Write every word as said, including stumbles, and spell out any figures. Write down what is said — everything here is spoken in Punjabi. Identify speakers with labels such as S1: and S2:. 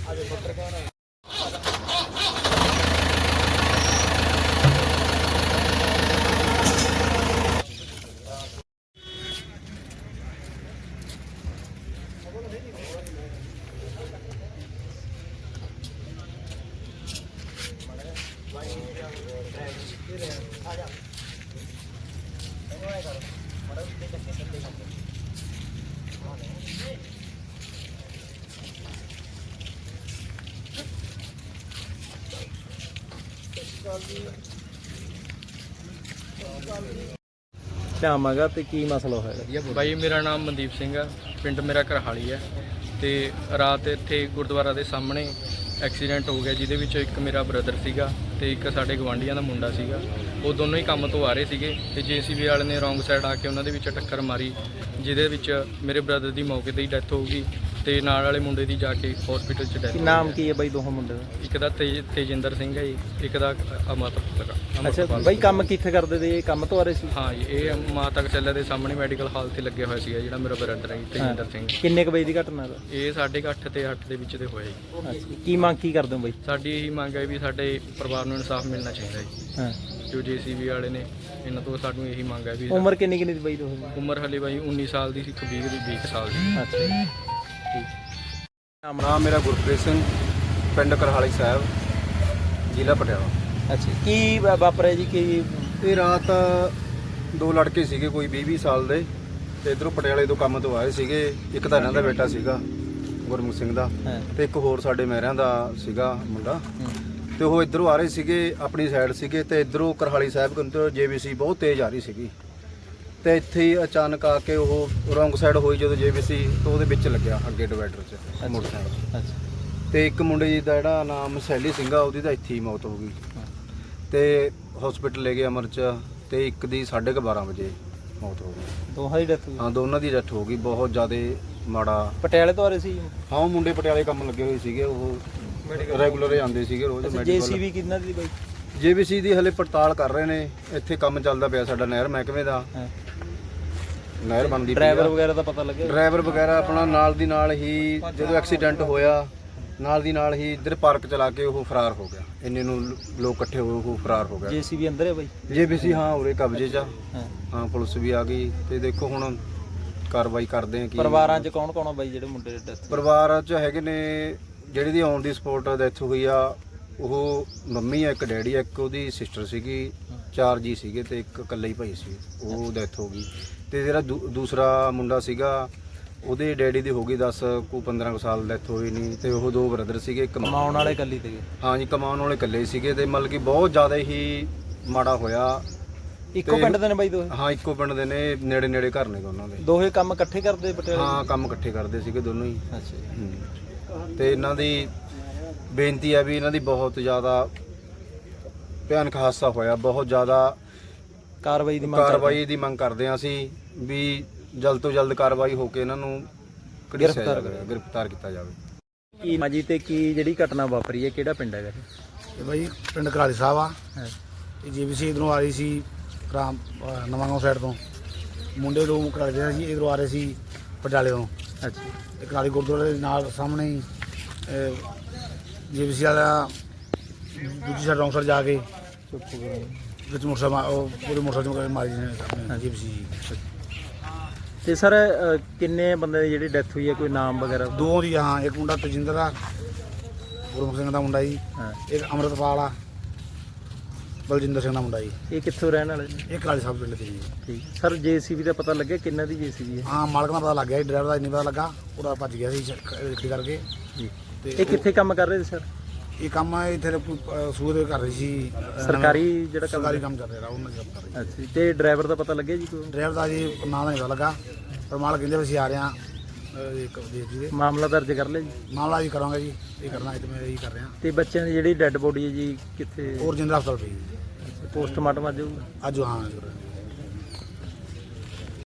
S1: ਨਾਮ ਹੈਗਾ ਤੇ ਕੀ ਮਸਲਾ ਹੋਇਆ?
S2: ਬਾਈ ਮੇਰਾ ਨਾਮ ਮਨਦੀਪ ਸਿੰਘ ਆ, ਪਿੰਡ ਮੇਰਾ ਕਰਹਾਲੀ ਹੈ। ਤੇ ਰਾਤ ਇੱਥੇ ਗੁਰਦੁਆਰਾ ਦੇ ਸਾਹਮਣੇ ਐਕਸੀਡੈਂਟ ਹੋ ਗਿਆ, ਜਿਹਦੇ ਵਿੱਚ ਇੱਕ ਮੇਰਾ ਬ੍ਰਦਰ ਸੀਗਾ ਤੇ ਇੱਕ ਸਾਡੇ ਗਵਾਂਢੀਆਂ ਦਾ ਮੁੰਡਾ ਸੀਗਾ। ਉਹ ਦੋਨੋਂ ਹੀ ਕੰਮ ਤੋਂ ਆ ਰਹੇ ਸੀਗੇ ਤੇ ਜੇਸੀਬੀ ਵਾਲੇ ਨੇ ਰੋਂਗ ਸਾਈਡ ਆ ਕੇ ਉਹਨਾਂ ਦੇ ਵਿੱਚ ਟੱਕਰ ਮਾਰੀ, ਜਿਹਦੇ ਵਿੱਚ ਮੇਰੇ ਬ੍ਰਦਰ ਦੀ ਮੌਕੇ ਤੇ ਹੀ ਡੈਥ ਹੋ ਗਈ ਤੇ ਨਾਲ ਵਾਲੇ ਮੁੰਡੇ ਦੀ ਜਾ ਕੇ ਹਸਪੀਟਲ 'ਚ ਡੈਥ।
S1: ਨਾਮ ਕੀ ਹੈ ਬਾਈ ਦੋਹਾਂ ਮੁੰਡੇ ਦਾ?
S2: ਇੱਕ ਦਾ ਤੇਜ ਤੇਜਿੰਦਰ ਸਿੰਘ ਹੈ ਜੀ, ਇੱਕ ਦਾ ਅਮਰਤ।
S1: ਅੱਛਾ ਬਾਈ, ਕੰਮ ਕਿੱਥੇ ਕਰਦੇ ਤੇ? ਇਹ ਕੰਮ ਤੋਂ ਆ ਰਹੇ ਸੀ?
S2: ਹਾਂ ਜੀ, ਇਹ ਮਾਤਾ ਕਚੱਲੇ ਦੇ ਸਾਹਮਣੇ ਮੈਡੀਕਲ ਹਾਲ ਤੇ ਲੱਗਿਆ ਹੋਇਆ ਸੀਗਾ ਜਿਹੜਾ ਮੇਰਾ ਬ੍ਰਦਰ ਹੈ ਤੇਜਿੰਦਰ ਸਿੰਘ।
S1: ਕਿੰਨੇ ਕੁ ਵਜੇ ਦੀ ਘਟਨਾ ਦਾ?
S2: ਇਹ ਸਾਢੇ ਕੁ ਅੱਠ ਤੇ ਅੱਠ ਦੇ ਵਿੱਚ ਦੇ ਹੋਇਆ ਜੀ।
S1: ਅੱਛਾ, ਕੀ ਮੰਗ ਕੀ ਕਰਦੇ ਹੋ ਬਾਈ?
S2: ਸਾਡੀ ਇਹੀ ਮੰਗ ਹੈ ਵੀ ਸਾਡੇ ਪਰਿਵਾਰ ਨੂੰ ਇਨਸਾਫ ਮਿਲਣਾ ਚਾਹੀਦਾ ਜੀ।
S1: ਹਾਂ,
S2: ਜੋ ਜੇਸੀਬੀ ਵਾਲੇ ਨੇ ਇਹਨਾਂ ਤੋਂ ਸਾਨੂੰ ਇਹੀ ਮੰਗ ਹੈ ਵੀ।
S1: ਉਮਰ ਕਿੰਨੀ ਕਿੰਨੀ ਦੀ ਬਾਈ ਦੋਹਾਂ ਦੀ?
S2: ਉਮਰ ਹਲੇ ਬਾਈ ਉੱਨੀ ਸਾਲ ਦੀ ਸੀ, ਇੱਕ ਵੀਹ ਦੀ ਵੀਹ ਸਾਲ ਦੀ।
S1: ਅੱਛਾ ਠੀਕ।
S3: ਨਾਮ ਮੇਰਾ ਗੁਰਪ੍ਰੀਤ ਸਿੰਘ, ਪਿੰਡ ਕਰਹਾਲੀ ਸਾਹਿਬ, ਜ਼ਿਲ੍ਹਾ ਪਟਿਆਲਾ।
S1: ਅੱਛਾ, ਕੀ ਵਾ- ਵਾਪਰਿਆ ਜੀ? ਕੀ
S3: ਇਹ ਰਾਤ ਦੋ ਲੜਕੇ ਸੀਗੇ ਕੋਈ ਵੀਹ ਵੀਹ ਸਾਲ ਦੇ, ਤੇ ਇਧਰੋਂ ਪਟਿਆਲੇ ਤੋਂ ਕੰਮ ਤੋਂ ਆਏ ਸੀਗੇ। ਇੱਕ ਤਾਂ ਇਹਨਾਂ ਦਾ ਬੇਟਾ ਸੀਗਾ ਗੁਰਮੁਖ ਸਿੰਘ ਦਾ,
S1: ਹਾਂ
S3: ਤੇ ਇੱਕ ਹੋਰ ਸਾਡੇ ਮਹਿਰਿਆਂ ਦਾ ਸੀਗਾ ਮੁੰਡਾ। ਤੇ ਉਹ ਇਧਰੋਂ ਆ ਰਹੇ ਸੀਗੇ, ਆਪਣੀ ਸਾਈਡ ਸੀਗੇ, ਤੇ ਇਧਰੋਂ ਕਰਹਾਲੀ ਸਾਹਿਬ ਕੰਤੋਂ ਜੇਬੀਸੀ ਬਹੁਤ ਤੇਜ਼ ਆ ਰਹੀ ਸੀਗੀ। ਤੇ ਇੱਥੇ ਹੀ ਅਚਾਨਕ ਆ ਕੇ ਉਹ ਰੋਂਗ ਸਾਈਡ ਹੋਈ ਜਦੋਂ ਜੇਬੀਸੀ, ਤੋਂ ਉਹਦੇ ਵਿੱਚ ਲੱਗਿਆ ਅੱਗੇ ਡਿਵਾਈਡਰ 'ਚ ਮੋਟਰਸਾਈਕਲ।
S1: ਅੱਛਾ,
S3: ਤੇ ਇੱਕ ਮੁੰਡੇ ਜੀ ਦਾ ਜਿਹੜਾ ਨਾਮ ਸੈਲੀ ਸਿੰਘ ਆ, ਉਹਦੀ ਤਾਂ ਇੱਥੇ ਹੀ ਮੌਤ ਹੋ ਗਈ ਤੇ ਹਸਪੀਟਲ ਲੈ ਗਏ ਅਮਰ 'ਚ। ਤੇ ਇੱਕ ਦੀ ਸਾਢੇ ਕੁ ਬਾਰਾਂ ਵਜੇ ਮੌਤ ਹੋ ਗਈ।
S1: ਦੋਹਾਂ ਦੀ ਡੈਥ ਹੋਈ?
S3: ਹਾਂ, ਦੋਨਾਂ ਦੀ ਡੈਥ ਹੋ ਗਈ। ਬਹੁਤ ਜ਼ਿਆਦਾ ਮਾੜਾ।
S1: ਪਟਿਆਲੇ ਤੋਂ ਆ ਰਹੇ ਸੀ?
S3: ਹਾਂ, ਉਹ ਮੁੰਡੇ ਪਟਿਆਲੇ ਕੰਮ ਲੱਗੇ ਹੋਏ ਸੀਗੇ, ਉਹ ਰੈਗੂਲਰ ਆਉਂਦੇ ਸੀਗੇ ਰੋਜ਼ ਮੈਡੀਕਲ।
S1: ਜੇਸੀਬੀ ਕਿੰਨਾ ਦੀ ਬਾਈ?
S3: ਜੇਬੀਸੀ ਦੀ ਹਲੇ ਪੜਤਾਲ ਕਰ ਰਹੇ ਨੇ। ਇੱਥੇ ਕੰਮ ਚੱਲਦਾ ਪਿਆ ਸਾਡਾ ਨਹਿਰ ਮਹਿਕਮੇ ਦਾ, ਨਹਿਰ ਬਣਦੀ।
S1: ਡਰਾਈਵਰ ਵਗੈਰਾ ਦਾ ਪਤਾ ਲੱਗਿਆ?
S3: ਡਰਾਈਵਰ ਵਗੈਰਾ ਆਪਣਾ ਨਾਲ ਦੀ ਨਾਲ ਹੀ ਜਦੋਂ ਐਕਸੀਡੈਂਟ ਹੋਇਆ ਨਾਲ ਦੀ ਨਾਲ ਹੀ ਇੱਧਰ ਪਾਰਕ ਚਲਾ ਕੇ ਉਹ ਫਰਾਰ ਹੋ ਗਿਆ। ਇੰਨੇ ਨੂੰ ਲੋਕ ਇਕੱਠੇ ਹੋਏ, ਉਹ ਫਰਾਰ ਹੋ ਗਿਆ।
S1: ਜੇਸੀਬੀ ਅੰਦਰ ਹੈ ਬਾਈ?
S3: ਜੇਬੀਸੀ ਹਾਂ ਉਰੇ ਕਬਜ਼ੇ 'ਚ ਆ।
S1: ਹਾਂ
S3: ਹਾਂ, ਪੁਲਿਸ ਵੀ ਆ ਗਈ ਤੇ ਦੇਖੋ ਹੁਣ ਕਾਰਵਾਈ ਕਰਦੇ ਆ। ਕੀ
S1: ਪਰਿਵਾਰਾਂ 'ਚ ਕੌਣ ਕੌਣ ਆ ਬਾਈ ਜਿਹੜੇ ਮੁੰਡੇ ਦੇ ਡੈਥ?
S3: ਪਰਿਵਾਰ 'ਚ ਹੈਗੇ ਨੇ, ਜਿਹੜੀ ਦੀ ਔਨ ਦੀ ਸਪੋਟ ਡੈਥ ਹੋਈ ਆ ਉਹ ਮੰਮੀ ਆ, ਇੱਕ ਡੈਡੀ ਆ, ਇੱਕ ਉਹਦੀ ਸਿਸਟਰ ਸੀਗੀ, ਚਾਰ ਜੀ ਸੀਗੇ ਤੇ ਇੱਕ ਇਕੱਲਾ ਹੀ ਭਾਈ ਸੀ, ਉਹ ਡੈਥ ਹੋ ਗਈ। ਤੇ ਜਿਹੜਾ ਦੂ- ਦੂਸਰਾ ਮੁੰਡਾ ਸੀਗਾ ਉਹਦੇ ਡੈਡੀ ਦੀ ਹੋ ਗਈ ਦਸ ਕੁ ਪੰਦਰਾਂ ਕੁ ਸਾਲ ਡੈਥ ਹੋਈ ਨਹੀਂ। ਤੇ ਉਹ ਦੋ ਬ੍ਰਦਰ ਸੀਗੇ, ਇੱਕ
S1: ਕਮਾਉਣ ਵਾਲੇ ਇਕੱਲੀ ਤੇ?
S3: ਹਾਂ ਜੀ, ਕਮਾਉਣ ਵਾਲੇ ਇਕੱਲੇ ਸੀਗੇ। ਤੇ ਮਤਲਬ ਕਿ ਬਹੁਤ ਜ਼ਿਆਦਾ ਹੀ ਮਾੜਾ ਹੋਇਆ।
S1: ਇੱਕੋ ਪਿੰਡ ਦੇ ਨੇ ਬਾਈ ਦੋਹੇ?
S3: ਹਾਂ, ਇੱਕੋ ਪਿੰਡ ਦੇ ਨੇ, ਨੇੜੇ ਨੇੜੇ ਘਰ ਨੇ ਦੋਨਾਂ ਦੇ।
S1: ਦੋਹੇ ਕੰਮ ਇਕੱਠੇ ਕਰਦੇ ਪਟਿਆਲੇ?
S3: ਹਾਂ, ਕੰਮ ਇਕੱਠੇ ਕਰਦੇ ਸੀਗੇ ਦੋਨੋਂ ਹੀ।
S1: ਅੱਛਾ,
S3: ਹੂੰ। ਤੇ ਇਹਨਾਂ ਦੀ ਬੇਨਤੀ ਹੈ ਵੀ ਇਹਨਾਂ ਦੀ ਬਹੁਤ ਜ਼ਿਆਦਾ ਭਿਆਨਕ ਹਾਦਸਾ ਹੋਇਆ, ਬਹੁਤ ਜ਼ਿਆਦਾ
S1: ਕਾਰਵਾਈ ਦੀ ਮੰਗ
S3: ਕਾਰਵਾਈ ਦੀ ਮੰਗ ਕਰਦੇ ਹਾਂ ਅਸੀਂ ਵੀ ਜਲਦ ਤੋਂ ਜਲਦ ਕਾਰਵਾਈ ਹੋ ਕੇ ਇਹਨਾਂ ਨੂੰ ਘੜੀਸਿਆ ਜਾਵੇ, ਗ੍ਰਿਫਤਾਰ ਕੀਤਾ ਜਾਵੇ।
S1: ਕੀ ਮਾਜੀ ਤੇ ਕੀ ਜਿਹੜੀ ਘਟਨਾ ਵਾਪਰੀ ਹੈ, ਕਿਹੜਾ ਪਿੰਡ ਹੈਗਾ
S4: ਇਹ ਬਾਈ ਪਿੰਡ ਕਰਾਲੀ ਸਾਹਿਬ ਆ।
S1: ਇਹ?
S4: ਇਹ ਜੀਬੀਸੀ ਇਧਰੋਂ ਆ ਰਹੀ ਸੀ ਰਾਮ ਨਵਾਂਗਾঁव ਸਾਈਡ ਤੋਂ। ਮੁੰਡੇ ਦੋ ਕਰਾਲੀ ਦੇ ਸੀ, ਇਧਰੋਂ ਆ ਰਹੇ ਸੀ ਪਟਿਆਲੇ ਤੋਂ।
S1: ਅੱਛਾ,
S4: ਤੇ ਕਰਾਲੀ ਗੁਰਦੁਆਰੇ ਦੇ ਨਾਲ ਸਾਹਮਣੇ ਹੀ ਜੀਬੀਸੀ ਵਾਲਾ ਦੂਜੀ ਸਾਈਡ ਰੌਂਗ ਸਾਈਡ ਜਾ ਕੇ ਵਿੱਚ ਮੋਟਰਸਾਈਕਲ ਮਾ- ਉਹ ਪੂਰੇ ਮੋਟਰਸਾਈਕਲ ਮਾਰੀ ਨੇ ਜੀਬੀਸੀ।
S1: ਤੇ ਸਰ ਕਿੰਨੇ ਬੰਦੇ ਦੀ ਜਿਹੜੀ ਡੈਥ ਹੋਈ ਹੈ, ਕੋਈ ਨਾਮ ਵਗੈਰਾ?
S4: ਦੋ ਦੀ ਹਾਂ, ਇੱਕ ਮੁੰਡਾ ਤਜਿੰਦਰ ਆ, ਗੁਰਮੁਖ ਸਿੰਘ ਦਾ ਮੁੰਡਾ ਜੀ।
S1: ਹਾਂ,
S4: ਇੱਕ ਅੰਮ੍ਰਿਤਪਾਲ ਆ, ਬਲਜਿੰਦਰ ਸਿੰਘ ਦਾ ਮੁੰਡਾ ਜੀ।
S1: ਇਹ ਕਿੱਥੋਂ ਰਹਿਣ ਵਾਲੇ ਨੇ?
S4: ਇਹ ਕਰਾਲੀ ਸਾਹਿਬ ਪਿੰਡ ਦੇ ਜੀ।
S1: ਠੀਕ ਸਰ, ਜੇਸੀਬੀ ਦਾ ਪਤਾ ਲੱਗਿਆ ਕਿੰਨਾ ਦੀ ਜੇਸੀਬੀ ਹੈ?
S4: ਹਾਂ, ਮਾਲਕ ਦਾ ਪਤਾ ਲੱਗ ਗਿਆ, ਡਰਾਈਵਰ ਦਾ ਨਹੀਂ ਪਤਾ ਲੱਗਾ, ਉਹਦਾ ਭੱਜ ਗਿਆ ਸੀ ਗੱਡੀ ਕਰਕੇ।
S1: ਜੀ,
S4: ਤੇ
S1: ਇਹ ਕਿੱਥੇ ਕੰਮ ਕਰ ਰਹੇ ਸੀ ਸਰ?
S4: ਇਹ ਕੰਮ ਇੱਥੇ ਸੂਰ ਦੇ ਕਰ ਰਹੀ ਸੀ,
S1: ਸਰਕਾਰੀ ਜਿਹੜਾ ਕੰਮ?
S4: ਸਰਕਾਰੀ ਕੰਮ ਚੱਲ ਰਿਹਾ ਉਹਨਾਂ ਦਾ ਕੰਮ ਕਰ ਰਹੀ।
S1: ਅੱਛਾ ਜੀ, ਤੇ ਡਰਾਈਵਰ ਦਾ ਪਤਾ ਲੱਗਿਆ ਜੀ ਕੋਈ?
S4: ਡਰਾਈਵਰ ਦਾ ਜੀ ਨਾਂ ਦਾ ਨਹੀਂ ਪਤਾ ਲੱਗਾ, ਪਰ ਮਾਲਕ ਕਹਿੰਦੇ ਵੀ ਅਸੀਂ ਆ ਰਹੇ ਹਾਂ ਇੱਕ ਦੇਸ਼ ਜੀ ਦੇ।
S1: ਮਾਮਲਾ ਦਰਜ ਕਰ ਲਿਆ ਜੀ?
S4: ਮਾਮਲਾ ਜੀ ਕਰਾਂਗੇ ਜੀ, ਇਹ ਕਰਨਾ ਇਹ ਮੈਂ ਇਹੀ ਕਰ ਰਿਹਾ।
S1: ਤੇ ਬੱਚਿਆਂ ਦੀ ਜਿਹੜੀ ਡੈੱਡ ਬੋਡੀ ਹੈ ਜੀ ਕਿੱਥੇ?
S4: ਹੋਰ ਜਿੰਦਰਾ ਹਸਪਤਾਲ ਪਈ ਜੀ।
S1: ਪੋਸਟਮਾਰਟਮ ਅੱਜ ਹੋਊਗਾ?
S4: ਅੱਜ ਹਾਂ।